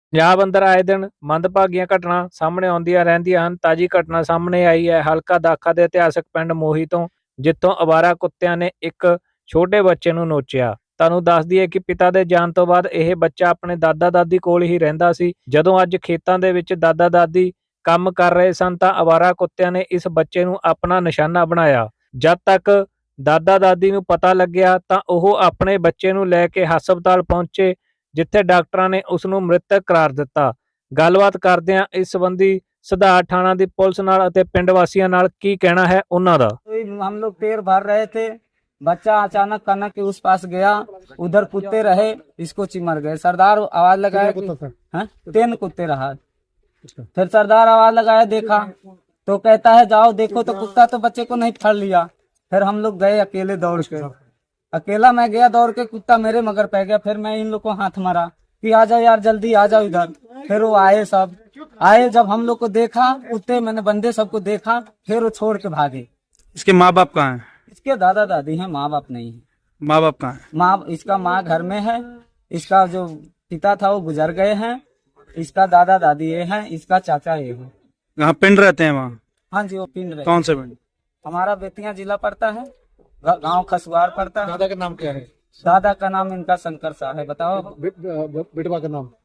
ਪੰਜਾਬ ਅੰਦਰ ਆਏ ਦਿਨ ਮੰਦਭਾਗੀਆਂ ਘਟਨਾ ਸਾਹਮਣੇ ਆਉਂਦੀਆਂ ਰਹਿੰਦੀਆਂ ਹਨ। ਤਾਜੀ ਘਟਨਾ ਸਾਹਮਣੇ ਆਈ ਹੈ ਹਲਕਾ ਦਾਖਾ ਦੇ ਇਤਿਹਾਸਕ ਪਿੰਡ ਮੋਹੀ ਤੋਂ, ਜਿੱਥੋਂ ਅਵਾਰਾ ਕੁੱਤਿਆਂ ਨੇ ਇੱਕ ਛੋਟੇ ਬੱਚੇ ਨੂੰ ਨੋਚਿਆ। ਤੁਹਾਨੂੰ ਦੱਸ ਦਈਏ ਕਿ ਪਿਤਾ ਦੇ ਜਾਣ ਤੋਂ ਬਾਅਦ ਇਹ ਬੱਚਾ ਆਪਣੇ ਦਾਦਾ ਦਾਦੀ ਕੋਲ ਹੀ ਰਹਿੰਦਾ ਸੀ। ਜਦੋਂ ਅੱਜ ਖੇਤਾਂ ਦੇ ਵਿੱਚ ਦਾਦਾ ਦਾਦੀ ਕੰਮ ਕਰ ਰਹੇ ਸਨ ਤਾਂ ਅਵਾਰਾ ਕੁੱਤਿਆਂ ਨੇ ਇਸ ਬੱਚੇ ਨੂੰ ਆਪਣਾ ਨਿਸ਼ਾਨਾ ਬਣਾਇਆ। ਜਦ ਤੱਕ ਦਾਦਾ ਦਾਦੀ ਨੂੰ ਪਤਾ ਲੱਗਿਆ ਤਾਂ ਉਹ ਆਪਣੇ ਬੱਚੇ ਨੂੰ ਲੈ ਕੇ ਹਸਪਤਾਲ ਪਹੁੰਚੇ, ਜਿੱਥੇ ਡਾਕਟਰਾਂ ਨੇ ਉਸ ਨੂੰ ਮ੍ਰਿਤਕ ਕਰਾਰ ਦਿੱਤਾ। ਗੱਲਬਾਤ ਕਰਦਿਆਂ ਇਸ ਸੰਬੰਧੀ ਸਧਾਰ ਥਾਣਾ ਦੀ ਪੁਲਿਸ ਨਾਲ ਅਤੇ ਪਿੰਡ ਵਾਸੀਆਂ ਨਾਲ ਕੀ ਕਹਿਣਾ ਹੈ ਉਹਨਾਂ ਦਾ। हम लोग पेड़ भर रहे थे, बच्चा अचानक कनक के उस पास गया, उधर कुत्ते रहे, इसको चिमर गए। सरदार आवाज लगाया कि 3 कुत्ते रहा। फिर सरदार आवाज लगाया, देखा तो कहता है जाओ देखो, तो कुत्ता तो बच्चे को नहीं फड़ लिया। फिर हम लोग गए अकेले दौड़ के, अकेला मैं गया दौड़ के, कुत्ता मेरे मगर पै गया। फिर मैं इन लोग को हाथ मारा कि आ जाओ यार जल्दी आ जाओ इधर। फिर वो आए, सब आए। जब हम लोग को देखा कुत्ते, मैंने बंदे सबको देखा, फिर वो छोड़ के भागे। इसके माँ बाप कहाँ हैं? इसके दादा दादी हैं, माँ बाप नहीं है। माँ बाप कहाँ हैं? इसका माँ घर में है, इसका जो पिता था वो गुजर गए हैं, इसका दादा दादी ये है, इसका चाचा ये है। यहाँ पिंड रहते हैं वहाँ? हाँ जी, वो पिंड रहे। कौन से पिंड? हमारा बेतिया जिला पड़ता है, गांव खसुआर पड़ता है। दादा का नाम क्या है? दादा का नाम इनका शंकर साहब है। बताओ बेटवा का नाम?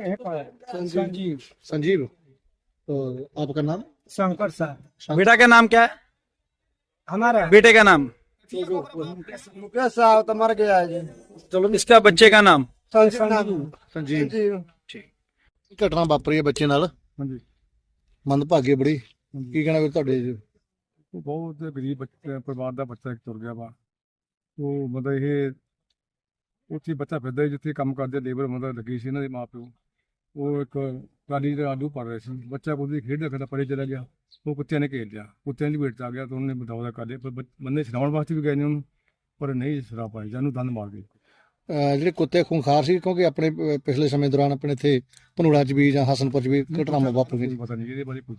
संजीव। संजीव। तो आपका नाम? शंकर साहब। बेटा का नाम क्या है? हमारा बेटे का नाम? मुकेश साहब तो मर गया है जी। चलो, इसका बच्चे का नाम? संजीव। ठीक। घटना वापरी है बच्चे नाल, ਹਾਂਜੀ ਮੰਦਭਾਗੀ ਬੜੀ। ਕੀ ਕਹਿਣਾ ਵੀ ਤੁਹਾਡੇ ਉਹ ਬਹੁਤ ਗਰੀਬ ਪਰਿਵਾਰ ਦਾ ਬੱਚਾ ਇੱਕ ਤੁਰ ਗਿਆ ਵਾ। ਉਹ ਮਤਲਬ ਇਹ ਉੱਥੇ ਬੱਚਾ ਫਿਰਦਾ ਸੀ ਜਿੱਥੇ ਕੰਮ ਕਰਦੇ ਲੇਬਰ ਮਤਲਬ ਲੱਗੀ ਸੀ ਇਹਨਾਂ ਦੇ ਮਾਂ ਪਿਓ। ਉਹ ਇੱਕ ਟਰਾਲੀ ਦੇ ਆਲੂ ਭਰ ਰਹੇ ਸੀ, ਬੱਚਾ ਉਹਦੀ ਖੇਡਦਾ ਖੇਡਦਾ ਪਰੇ ਚਲਾ ਗਿਆ। ਉਹ ਕੁੱਤਿਆਂ ਨੇ ਘੇਰ ਲਿਆ, ਕੁੱਤਿਆਂ ਦੀ ਭੇਟ 'ਚ ਆ ਗਿਆ ਤਾਂ ਉਹਨੇ ਬਦੌਲਾ ਕਰ ਲਿਆ। ਪਰ ਬੰਦੇ ਛਡਾਉਣ ਵਾਸਤੇ ਵੀ ਗਏ ਨੇ ਉਹਨੂੰ, ਪਰ ਨਹੀਂ ਛਡਾ ਪਾਏ, ਜਾਨੂੰ ਦੰਦ ਮਾਰ ਗਏ। ਜਿਹੜੇ ਕੁੱਤੇ ਖੂੰਖਾਰ ਸੀ, ਕਿਉਂਕਿ ਆਪਣੇ ਪਿਛਲੇ ਸਮੇਂ ਦੌਰਾਨ ਆਪਣੇ ਇੱਥੇ ਭਨੂੜਾ 'ਚ ਵੀ ਜਾਂ ਹਸਨਪੁਰ 'ਚ ਵੀ ਘਟਨਾਵਾਂ ਵਾਪਰੀਆਂ। ਪਤਾ ਨਹੀਂ ਇਹਦੇ ਬਾਰੇ ਕੁਝ।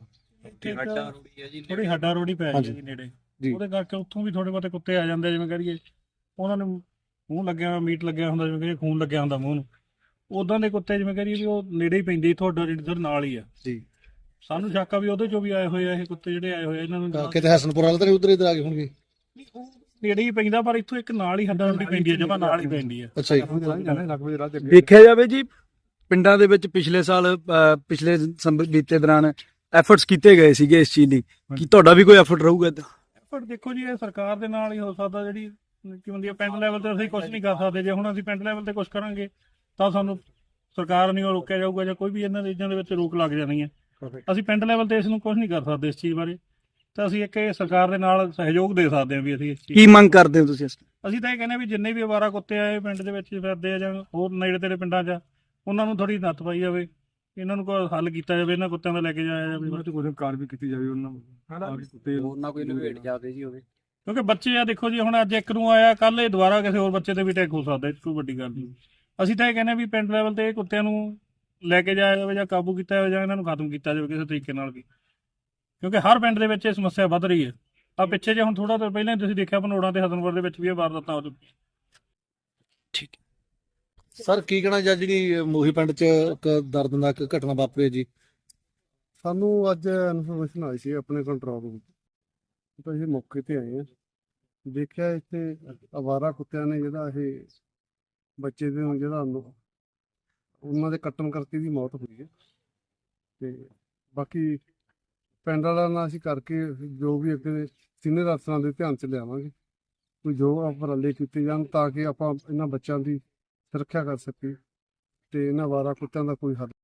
ਥੋੜੀ ਹੱਡਾ ਰੋੜੀ ਪੈ ਹਾਂਜੀ। ਗਈ ਨੇੜੇ, ਜੀ। ਉਹਦੇ ਕਰਕੇ ਉੱਥੋਂ ਵੀ ਥੋੜੇ ਬਹੁਤੇ ਕੁੱਤੇ ਆ ਜਾਂਦੇ, ਜਿਵੇਂ ਕਰੀਏ ਉਹਨਾਂ ਨੂੰ ਮੂੰਹ ਲੱਗਿਆ ਮੀਟ ਲੱਗਿਆ ਹੁੰਦਾ, ਜਿਵੇਂ ਕਰੀਏ ਖੂਨ ਲੱਗਿਆ ਹੁੰਦਾ ਮੂੰਹ ਨੂੰ, ਉਦਾਂ ਦੇ ਕੁੱਤੇ ਜਿਵੇਂ ਕਰੀਏ ਵੀ ਉਹ ਨੇੜੇ ਹੀ ਪੈਂਦੇ। ਤੁਹਾਡਾ ਜਿਹੜਾ ਨਾਲ ਹੀ ਆ ਜੀ। ਸਾਨੂੰ ਸ਼ੱਕ ਆ ਵੀ ਉਹਦੇ ਚੋਂ ਵੀ ਆਏ ਹੋਏ ਆ ਇਹ ਕੁੱਤੇ, ਜਿਹੜੇ ਆਏ ਹੋਏ ਆ ਇਹਨਾਂ ਨੂੰ ਕਿਤੇ ਹਸਨਪੁਰ ਵਾਲੇ ਤਾਂ ਨਹੀਂ ਉਧਰ ਇਧਰ ਆ ਗਏ ਹੋਣਗੇ? ਨੇੜੇ ਹੀ ਪੈਂਦਾ, ਪਰ ਇੱਥੋਂ ਇੱਕ ਨਾਲ ਹੀ ਹੱਡਾ ਰੋੜੀ ਪੈਂਦੀ ਹੈ, ਜਮਾ ਨਾਲ ਹੀ ਪੈਂਦੀ ਆ। ਅੱਛਾ ਜੀ। ਲੱਗਵੇ ਰਾਹ ਤੇ ਅੱਗੇ ਦੇਖਿਆ ਜਾਵੇ ਜੀ, ਪਿੰਡਾਂ ਦੇ ਵਿੱਚ ਪਿਛਲੇ ਸਾਲ ਪਿਛਲੇ ਬੀਤੇ ਦੌਰਾਨ ਐਫਰਟਸ ਕੀਤੇ ਗਏ ਸੀਗੇ ਇਸ ਚੀਜ਼ ਲਈ। ਕੀ ਤੁਹਾਡਾ ਵੀ ਕੋਈ ਐਫਰਟ ਰਹੂਗਾ ਇੱਦਾਂ? ਪਰ ਦੇਖੋ ਜੀ, ਇਹ ਸਰਕਾਰ ਦੇ ਨਾਲ ਹੀ ਹੋ ਸਕਦਾ। ਜਿਹੜੀ ਕੀ ਹੁੰਦੀ ਹੈ ਪਿੰਡ ਲੈਵਲ ਤੇ ਅਸੀਂ ਕੁਝ ਨਹੀਂ ਕਰ ਸਕਦੇ। ਜੇ ਹੁਣ ਅਸੀਂ ਪਿੰਡ ਲੈਵਲ ਤੇ ਕੁਝ ਕਰਾਂਗੇ ਤਾਂ ਸਾਨੂੰ ਸਰਕਾਰ ਨਹੀਂ ਉਹ ਰੋਕਿਆ ਜਾਊਗਾ, ਜਾਂ ਕੋਈ ਵੀ ਇਹਨਾਂ ਚੀਜ਼ਾਂ ਦੇ ਵਿੱਚ ਰੋਕ ਲੱਗ ਜਾਣੀ ਹੈ। ਅਸੀਂ ਪਿੰਡ ਲੈਵਲ ਤੇ ਇਸ ਨੂੰ ਕੁਝ ਨਹੀਂ ਕਰ ਸਕਦੇ ਇਸ ਚੀਜ਼ ਬਾਰੇ, ਤਾਂ ਅਸੀਂ ਇੱਕ ਇਹ ਸਰਕਾਰ ਦੇ ਨਾਲ ਸਹਿਯੋਗ ਦੇ ਸਕਦੇ ਹਾਂ ਵੀ ਅਸੀਂ ਇਸ ਚੀਜ਼। ਕੀ ਮੰਗ ਕਰਦੇ ਹੋ ਤੁਸੀਂ? ਅਸੀਂ ਤਾਂ ਇਹ ਕਹਿੰਦੇ ਵੀ ਜਿੰਨੇ ਵੀ ਅਵਾਰਾ ਕੁੱਤੇ ਆਏ ਪਿੰਡ ਦੇ ਵਿੱਚ ਫਿਰਦੇ ਆ ਜਾਂ ਹੋਰ ਨੇੜੇ ਤੇੜੇ ਪਿੰਡਾਂ 'ਚ, ਉਹਨਾਂ ਨੂੰ ਥੋੜੀ ਨੱਥ ਪਾਈ ਜਾਵੇ, ਇਹਨਾਂ ਨੂੰ ਕੋਈ ਹੱਲ ਕੀਤਾ ਜਾਵੇ, ਇਹਨਾਂ ਕੁੱਤਿਆਂ ਦਾ ਲੈ ਕੇ ਜਾਇਆ ਜਾਵੇ। ਉਹਨਾਂ ਤੇ ਕੋਈ ਕਾਰ ਵੀ ਕੀਤੀ ਜਾਵੇ ਉਹਨਾਂ ਨੂੰ, ਕੁੱਤੇ ਉਹਨਾਂ ਕੋਈ ਲਵੇਟ ਜਾਵੇ ਜੀ ਹੋਵੇ, ਕਿਉਂਕਿ ਬੱਚੇ ਆ ਦੇਖੋ ਜੀ, ਹੁਣ ਅੱਜ ਇੱਕ ਨੂੰ ਆਇਆ, ਕੱਲ ਇਹ ਦੁਬਾਰਾ ਕਿਸੇ ਹੋਰ ਬੱਚੇ ਤੇ ਵੀ ਅਟੈਕ ਹੋ ਸਕਦਾ, ਇਹ ਕੋਈ ਵੱਡੀ ਗੱਲ ਨਹੀਂ। ਅਸੀਂ ਤਾਂ ਇਹ ਕਹਿੰਦੇ ਵੀ ਪਿੰਡ ਲੈਵਲ ਤੇ ਇਹ ਕੁੱਤਿਆਂ ਨੂੰ ਲੈ ਕੇ ਜਾਇਆ ਜਾਵੇ, ਜਾਂ ਕਾਬੂ ਕੀਤਾ ਜਾਵੇ, ਜਾਂ ਇਹਨਾਂ ਨੂੰ ਖਤਮ ਕੀਤਾ ਜਾਵੇ ਕਿਸੇ ਤਰੀਕੇ ਨਾਲ ਵੀ, ਕਿਉਂਕਿ ਹਰ ਪਿੰਡ ਦੇ ਵਿੱਚ ਇਹ ਸਮੱਸਿਆ ਵੱਧ ਰਹੀ ਹੈ। ਆ ਪਿੱਛੇ ਜੇ ਹੁਣ ਥੋੜਾ ਦੇਰ ਪਹਿਲਾਂ ਤੁਸੀਂ ਦੇਖਿਆ ਭਨੋੜਾਂ ਤੇ ਹਸਨਪੁਰ ਦੇ ਵਿੱਚ ਵੀ ਇਹ ਵਾਰਦਾਤਾਂ ਹੋ ਚੁੱਕੀਆਂ। ਠੀਕ। ਸਰ ਕੀ ਕਹਿਣਾ ਜਾਂ ਜਿਹੜੀ ਮੋਹੀ ਪਿੰਡ 'ਚ ਇੱਕ ਦਰਦਨਾਕ ਘਟਨਾ ਵਾਪਰੀ ਜੀ? ਸਾਨੂੰ ਅੱਜ ਇਨਫੋਰਮੇਸ਼ਨ ਆਈ ਸੀ ਆਪਣੇ ਕੰਟਰੋਲ ਰੂਮ ਤੋਂ, ਅਸੀਂ ਮੌਕੇ ਤੇ ਆਏ ਹਾਂ। ਦੇਖਿਆ ਇੱਥੇ ਅਵਾਰਾ ਕੁੱਤਿਆਂ ਨੇ ਜਿਹੜਾ ਇਹ ਬੱਚੇ ਦੇ ਨੂੰ ਜਿਹੜਾ ਉਹਨਾਂ ਦੇ ਕੱਟਣ ਕਰਕੇ ਦੀ ਮੌਤ ਹੋਈ ਹੈ। ਤੇ ਬਾਕੀ ਪਿੰਡ ਵਾਲਿਆਂ ਨਾਲ ਅਸੀਂ ਕਰਕੇ ਜੋ ਵੀ ਅੱਗੇ ਸੀਨੀਅਰ ਅਫਸਰਾਂ ਦੇ ਧਿਆਨ 'ਚ ਲਿਆਵਾਂਗੇ, ਕੋਈ ਜੋ ਉਪਰਾਲੇ ਕੀਤੇ ਜਾਣ ਤਾਂ ਕਿ ਆਪਾਂ ਇਹਨਾਂ ਬੱਚਿਆਂ ਦੀ ਸੁਰੱਖਿਆ ਕਰ ਸਕੀਏ ਤੇ ਇਹਨਾਂ ਅਵਾਰਾ ਕੁੱਤਿਆਂ ਦਾ ਕੋਈ ਹੱਲ